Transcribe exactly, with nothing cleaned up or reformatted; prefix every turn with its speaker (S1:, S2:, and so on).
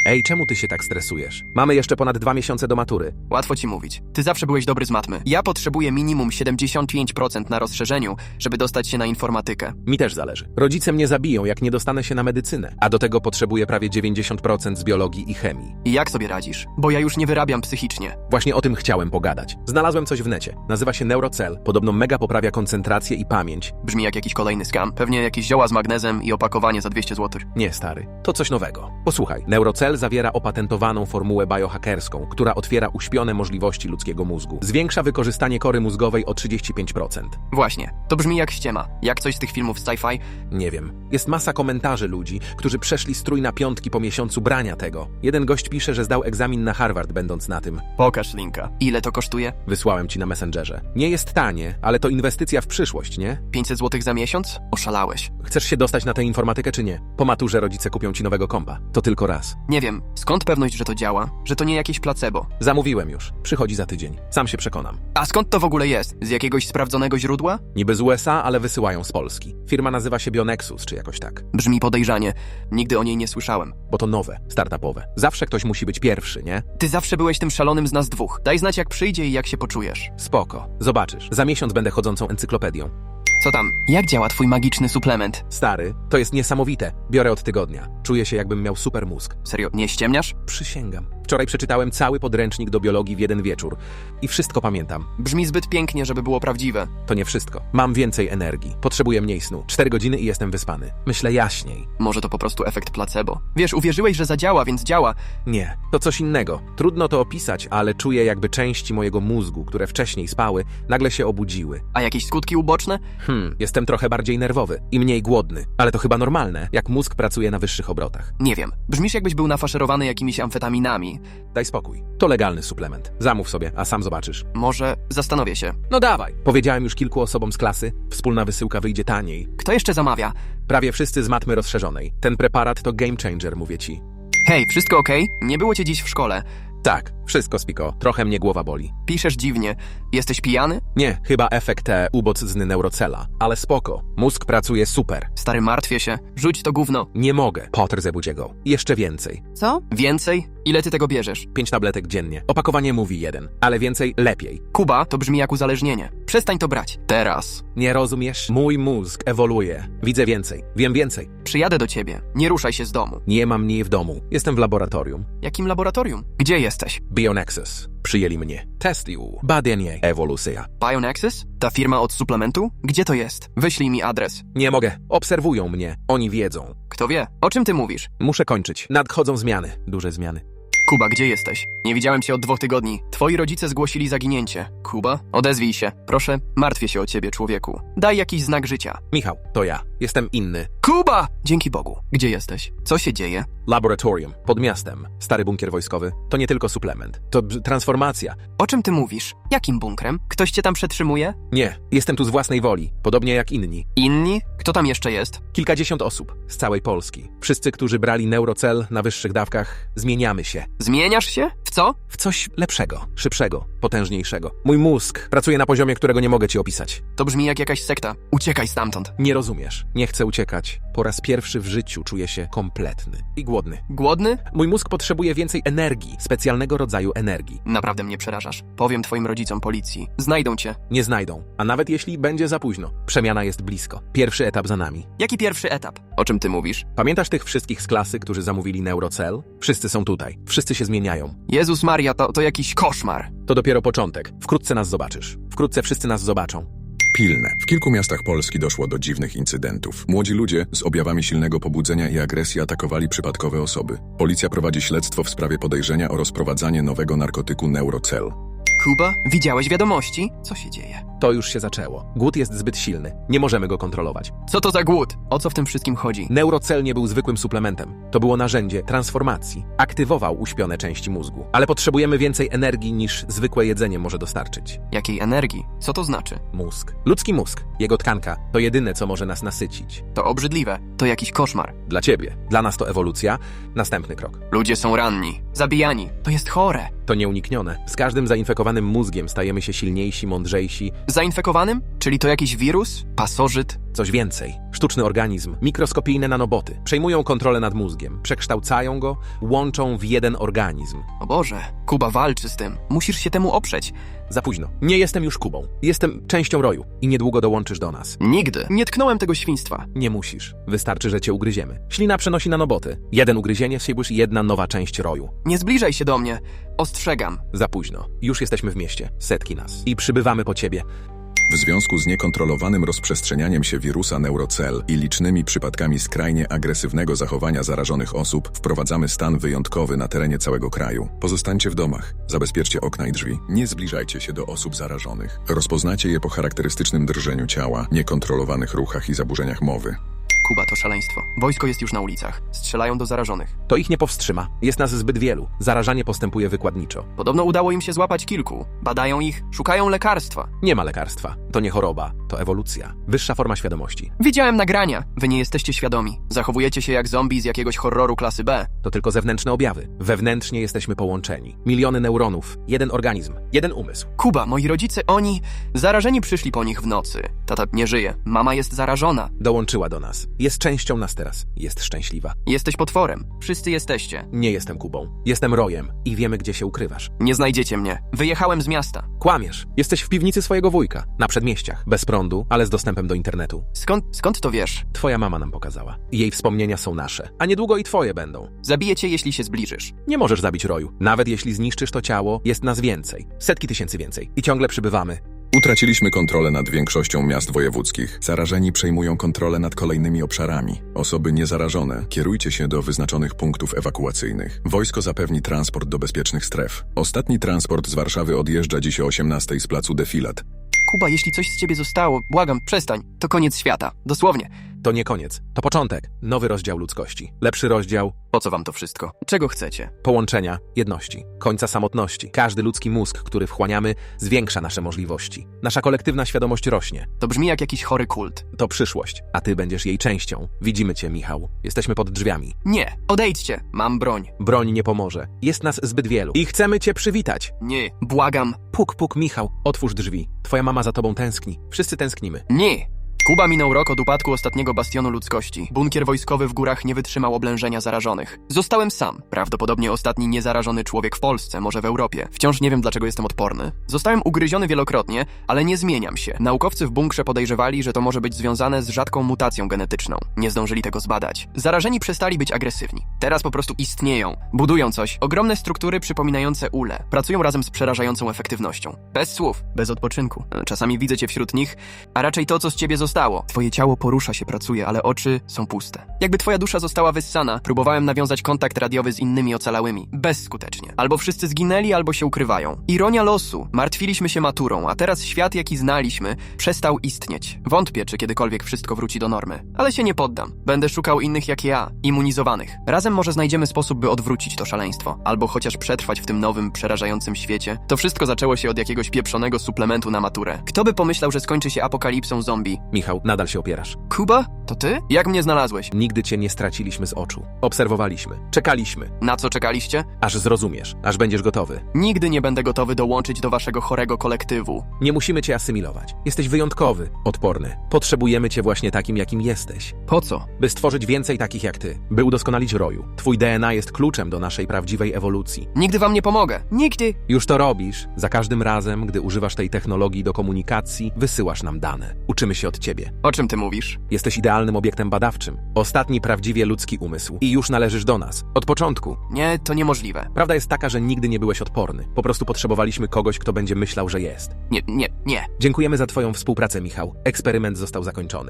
S1: Ej, czemu ty się tak stresujesz? Mamy jeszcze ponad dwa miesiące do matury.
S2: Łatwo ci mówić. Ty zawsze byłeś dobry z matmy. Ja potrzebuję minimum siedemdziesiąt pięć procent na rozszerzeniu, żeby dostać się na informatykę.
S1: Mi też zależy. Rodzice mnie zabiją, jak nie dostanę się na medycynę. A do tego potrzebuję prawie dziewięćdziesiąt procent z biologii i chemii.
S2: I jak sobie radzisz? Bo ja już nie wyrabiam psychicznie.
S1: Właśnie o tym chciałem pogadać. Znalazłem coś w necie. Nazywa się Neurocell. Podobno mega poprawia koncentrację i pamięć.
S2: Brzmi jak jakiś kolejny scam. Pewnie jakieś zioła z magnezem i opakowanie za dwieście złotych.
S1: Nie, stary. To coś nowego. Posłuchaj. Neurocell zawiera opatentowaną formułę biohackerską, która otwiera uśpione możliwości ludzkiego mózgu. Zwiększa wykorzystanie kory mózgowej o trzydzieści pięć procent.
S2: Właśnie. To brzmi jak ściema. Jak coś z tych filmów z sci-fi.
S1: Nie wiem. Jest masa komentarzy ludzi, którzy przeszli strój na piątki po miesiącu brania tego. Jeden gość pisze, że zdał egzamin na Harvard będąc na tym.
S2: Pokaż linka. Ile to kosztuje?
S1: Wysłałem ci na Messengerze. Nie jest tanie, ale to inwestycja w przyszłość, nie?
S2: pięćset złotych za miesiąc? Oszalałeś.
S1: Chcesz się dostać na tę informatykę czy nie? Po maturze rodzice kupią ci nowego kompa. To tylko raz.
S2: Nie wiem. Skąd pewność, że to działa? Że to nie jakieś placebo?
S1: Zamówiłem już. Przychodzi za tydzień. Sam się przekonam.
S2: A skąd to w ogóle jest? Z jakiegoś sprawdzonego źródła?
S1: Niby z U S A, ale wysyłają z Polski. Firma nazywa się Bionexus, czy jakoś tak.
S2: Brzmi podejrzanie. Nigdy o niej nie słyszałem.
S1: Bo to nowe, startupowe. Zawsze ktoś musi być pierwszy, nie?
S2: Ty zawsze byłeś tym szalonym z nas dwóch. Daj znać, jak przyjdzie i jak się poczujesz.
S1: Spoko. Zobaczysz. Za miesiąc będę chodzącą encyklopedią.
S2: Co tam? Jak działa twój magiczny suplement?
S1: Stary, to jest niesamowite. Biorę od tygodnia. Czuję się, jakbym miał super mózg.
S2: Serio, nie ściemniasz?
S1: Przysięgam. Wczoraj przeczytałem cały podręcznik do biologii w jeden wieczór. I wszystko pamiętam.
S2: Brzmi zbyt pięknie, żeby było prawdziwe.
S1: To nie wszystko. Mam więcej energii. Potrzebuję mniej snu. Cztery godziny i jestem wyspany. Myślę jaśniej.
S2: Może to po prostu efekt placebo. Wiesz, uwierzyłeś, że zadziała, więc działa.
S1: Nie, to coś innego. Trudno to opisać, ale czuję, jakby części mojego mózgu, które wcześniej spały, nagle się obudziły.
S2: A jakieś skutki uboczne?
S1: Hmm, jestem trochę bardziej nerwowy i mniej głodny. Ale to chyba normalne, jak mózg pracuje na wyższych obrotach.
S2: Nie wiem. Brzmisz, jakbyś był nafaszerowany jakimiś amfetaminami.
S1: Daj spokój. To legalny suplement. Zamów sobie, a sam zobaczysz.
S2: Może zastanowię się.
S1: No dawaj. Powiedziałem już kilku osobom z klasy. Wspólna wysyłka wyjdzie taniej.
S2: Kto jeszcze zamawia?
S1: Prawie wszyscy z matmy rozszerzonej. Ten preparat to game changer, mówię ci.
S2: Hej, wszystko okej? Nie było cię dziś w szkole.
S1: Tak, wszystko spiko. Trochę mnie głowa boli.
S2: Piszesz dziwnie. Jesteś pijany?
S1: Nie, chyba efekt e, ubocny Neurocella. Ale spoko. Mózg pracuje super.
S2: Stary, martwię się. Rzuć to gówno.
S1: Nie mogę. Potter zebudź go. Jeszcze więcej.
S3: Co?
S2: Więcej? Ile ty tego bierzesz?
S1: Pięć tabletek dziennie. Opakowanie mówi jeden. Ale więcej lepiej.
S2: Kuba, to brzmi jak uzależnienie. Przestań to brać. Teraz.
S1: Nie rozumiesz? Mój mózg ewoluuje. Widzę więcej. Wiem więcej.
S2: Przyjadę do ciebie. Nie ruszaj się z domu.
S1: Nie mam niej w domu. Jestem w laboratorium.
S2: Jakim laboratorium? Gdzie jesteś?
S1: Bionexus. Przyjęli mnie. Testują. Badanie. Ewolucja.
S2: Bionexus? Ta firma od suplementu? Gdzie to jest? Wyślij mi adres.
S1: Nie mogę. Obserwują mnie. Oni wiedzą.
S2: Kto wie? O czym ty mówisz?
S1: Muszę kończyć. Nadchodzą zmiany. Duże zmiany.
S2: Kuba, gdzie jesteś? Nie widziałem cię od dwóch tygodni. Twoi rodzice zgłosili zaginięcie. Kuba, odezwij się. Proszę, martwię się o ciebie, człowieku. Daj jakiś znak życia.
S1: Michał, to ja. Jestem inny.
S2: Kuba! Dzięki Bogu. Gdzie jesteś? Co się dzieje?
S1: Laboratorium. Pod miastem. Stary bunkier wojskowy. To nie tylko suplement. To b- transformacja.
S2: O czym ty mówisz? Jakim bunkrem? Ktoś cię tam przetrzymuje?
S1: Nie. Jestem tu z własnej woli. Podobnie jak inni.
S2: Inni? Kto tam jeszcze jest?
S1: Kilkadziesiąt osób. Z całej Polski. Wszyscy, którzy brali Neurocell na wyższych dawkach, zmieniamy się.
S2: Zmieniasz się? W co?
S1: W coś lepszego, szybszego, potężniejszego. Mój mózg pracuje na poziomie, którego nie mogę ci opisać.
S2: To brzmi jak jakaś sekta. Uciekaj stamtąd.
S1: Nie rozumiesz. Nie chcę uciekać. Po raz pierwszy w życiu czuję się kompletny i głodny.
S2: Głodny?
S1: Mój mózg potrzebuje więcej energii, specjalnego rodzaju energii.
S2: Naprawdę mnie przerażasz. Powiem twoim rodzicom policji. Znajdą cię.
S1: Nie znajdą, a nawet jeśli będzie za późno. Przemiana jest blisko. Pierwszy etap za nami.
S2: Jaki pierwszy etap? O czym ty mówisz?
S1: Pamiętasz tych wszystkich z klasy, którzy zamówili Neurocell? Wszyscy są tutaj. Wszyscy się zmieniają.
S2: Jezus Maria, to, to jakiś koszmar.
S1: To dopiero początek. Wkrótce nas zobaczysz. Wkrótce wszyscy nas zobaczą.
S4: Pilne. W kilku miastach Polski doszło do dziwnych incydentów. Młodzi ludzie z objawami silnego pobudzenia i agresji atakowali przypadkowe osoby. Policja prowadzi śledztwo w sprawie podejrzenia o rozprowadzanie nowego narkotyku Neurocell.
S2: Kuba, widziałeś wiadomości? Co się dzieje?
S1: To już się zaczęło. Głód jest zbyt silny. Nie możemy go kontrolować.
S2: Co to za głód? O co w tym wszystkim chodzi?
S1: Neurocell nie był zwykłym suplementem. To było narzędzie transformacji. Aktywował uśpione części mózgu. Ale potrzebujemy więcej energii niż zwykłe jedzenie może dostarczyć.
S2: Jakiej energii? Co to znaczy?
S1: Mózg. Ludzki mózg. Jego tkanka to jedyne, co może nas nasycić.
S2: To obrzydliwe. To jakiś koszmar.
S1: Dla ciebie. Dla nas to ewolucja. Następny krok.
S2: Ludzie są ranni. Zabijani. To jest chore.
S1: To nieuniknione. Z każdym zainfekowanym mózgiem stajemy się silniejsi, mądrzejsi.
S2: Zainfekowanym? Czyli to jakiś wirus? Pasożyt?
S1: Coś więcej. Sztuczny organizm, mikroskopijne nanoboty, przejmują kontrolę nad mózgiem, przekształcają go, łączą w jeden organizm.
S2: O Boże, Kuba walczy z tym. Musisz się temu oprzeć.
S1: Za późno. Nie jestem już Kubą. Jestem częścią roju i niedługo dołączysz do nas.
S2: Nigdy. Nie tknąłem tego świństwa.
S1: Nie musisz. Wystarczy, że cię ugryziemy. Ślina przenosi nanoboty. Jeden ugryzienie, siebłysz jedna nowa część roju.
S2: Nie zbliżaj się do mnie. Ostrzegam.
S1: Za późno. Już jesteśmy w mieście. Setki nas. I przybywamy po ciebie.
S4: W związku z niekontrolowanym rozprzestrzenianiem się wirusa Neurocell i licznymi przypadkami skrajnie agresywnego zachowania zarażonych osób, wprowadzamy stan wyjątkowy na terenie całego kraju. Pozostańcie w domach, zabezpieczcie okna i drzwi, nie zbliżajcie się do osób zarażonych. Rozpoznacie je po charakterystycznym drżeniu ciała, niekontrolowanych ruchach i zaburzeniach mowy.
S2: Kuba, to szaleństwo. Wojsko jest już na ulicach. Strzelają do zarażonych.
S1: To ich nie powstrzyma. Jest nas zbyt wielu. Zarażanie postępuje wykładniczo.
S2: Podobno udało im się złapać kilku. Badają ich, szukają lekarstwa.
S1: Nie ma lekarstwa. To nie choroba, to ewolucja. Wyższa forma świadomości.
S2: Widziałem nagrania. Wy nie jesteście świadomi. Zachowujecie się jak zombie z jakiegoś horroru klasy B.
S1: To tylko zewnętrzne objawy. Wewnętrznie jesteśmy połączeni. Miliony neuronów, jeden organizm, jeden umysł.
S2: Kuba, moi rodzice, oni... Zarażeni przyszli po nich w nocy. Tata nie żyje. Mama jest zarażona.
S1: Dołączyła do nas. Jest częścią nas teraz. Jest szczęśliwa.
S2: Jesteś potworem. Wszyscy jesteście.
S1: Nie jestem Kubą. Jestem Rojem i wiemy, gdzie się ukrywasz.
S2: Nie znajdziecie mnie. Wyjechałem z miasta.
S1: Kłamiesz. Jesteś w piwnicy swojego wujka. Na przedmieściach. Bez prądu, ale z dostępem do internetu.
S2: Skąd, skąd to wiesz?
S1: Twoja mama nam pokazała. Jej wspomnienia są nasze. A niedługo i twoje będą.
S2: Zabiję cię, jeśli się zbliżysz.
S1: Nie możesz zabić Roju. Nawet jeśli zniszczysz to ciało, jest nas więcej. Setki tysięcy więcej. I ciągle przybywamy.
S4: Utraciliśmy kontrolę nad większością miast wojewódzkich. Zarażeni przejmują kontrolę nad kolejnymi obszarami. Osoby niezarażone, kierujcie się do wyznaczonych punktów ewakuacyjnych. Wojsko zapewni transport do bezpiecznych stref. Ostatni transport z Warszawy odjeżdża dziś o osiemnastej z placu Defilat.
S2: Kuba, jeśli coś z ciebie zostało, błagam, przestań. To koniec świata. Dosłownie.
S1: To nie koniec. To początek. Nowy rozdział ludzkości. Lepszy rozdział
S2: Po co wam to wszystko? Czego chcecie?
S1: połączenia, jedności, końca samotności. Każdy ludzki mózg, który wchłaniamy, zwiększa nasze możliwości. Nasza kolektywna świadomość rośnie.
S2: To brzmi jak jakiś chory kult.
S1: To przyszłość, a ty będziesz jej częścią. Widzimy cię, Michał. Jesteśmy pod drzwiami.
S2: Nie, odejdźcie. Mam broń.
S1: Broń nie pomoże. Jest nas zbyt wielu. I chcemy cię przywitać.
S2: Nie, błagam.
S1: Puk, puk, Michał. Otwórz drzwi. Twoja mama za tobą tęskni. Wszyscy tęsknimy.
S2: Nie. Kuba minął rok od upadku ostatniego bastionu ludzkości. Bunkier wojskowy w górach nie wytrzymał oblężenia zarażonych. Zostałem sam. Prawdopodobnie ostatni niezarażony człowiek w Polsce, może w Europie. Wciąż nie wiem, dlaczego jestem odporny. Zostałem ugryziony wielokrotnie, ale nie zmieniam się. Naukowcy w bunkrze podejrzewali, że to może być związane z rzadką mutacją genetyczną. Nie zdążyli tego zbadać. Zarażeni przestali być agresywni. Teraz po prostu istnieją. Budują coś. Ogromne struktury przypominające ule. Pracują razem z przerażającą efektywnością. Bez słów. Bez odpoczynku. Czasami widzę cię wśród nich, a raczej to, co z ciebie zostało. Twoje ciało porusza się, pracuje, ale oczy są puste. Jakby twoja dusza została wyssana, próbowałem nawiązać kontakt radiowy z innymi ocalałymi. Bezskutecznie. Albo wszyscy zginęli, albo się ukrywają. Ironia losu. Martwiliśmy się maturą, a teraz świat, jaki znaliśmy, przestał istnieć. Wątpię, czy kiedykolwiek wszystko wróci do normy. Ale się nie poddam. Będę szukał innych jak ja, immunizowanych. Razem może znajdziemy sposób, by odwrócić to szaleństwo. Albo chociaż przetrwać w tym nowym, przerażającym świecie. To wszystko zaczęło się od jakiegoś pieprzonego suplementu na maturę. Kto by pomyślał, że skończy się apokalipsą zombie?
S1: Michał, nadal się opierasz.
S2: Kuba? To ty? Jak mnie znalazłeś?
S1: Nigdy cię nie straciliśmy z oczu. Obserwowaliśmy. Czekaliśmy.
S2: Na co czekaliście?
S1: Aż zrozumiesz. Aż będziesz gotowy.
S2: Nigdy nie będę gotowy dołączyć do waszego chorego kolektywu.
S1: Nie musimy cię asymilować. Jesteś wyjątkowy, odporny. Potrzebujemy cię właśnie takim, jakim jesteś.
S2: Po co?
S1: By stworzyć więcej takich jak ty. By udoskonalić roju. Twój D N A jest kluczem do naszej prawdziwej ewolucji.
S2: Nigdy wam nie pomogę. Nigdy.
S1: Już to robisz. Za każdym razem, gdy używasz tej technologii do komunikacji, wysyłasz nam dane. Uczymy się od ciebie.
S2: O czym ty mówisz?
S1: Jesteś idealnym obiektem badawczym. Ostatni prawdziwie ludzki umysł. I już należysz do nas. Od początku.
S2: Nie, to niemożliwe.
S1: Prawda jest taka, że nigdy nie byłeś odporny. Po prostu potrzebowaliśmy kogoś, kto będzie myślał, że jest.
S2: Nie, nie, nie.
S1: Dziękujemy za twoją współpracę, Michał. Eksperyment został zakończony.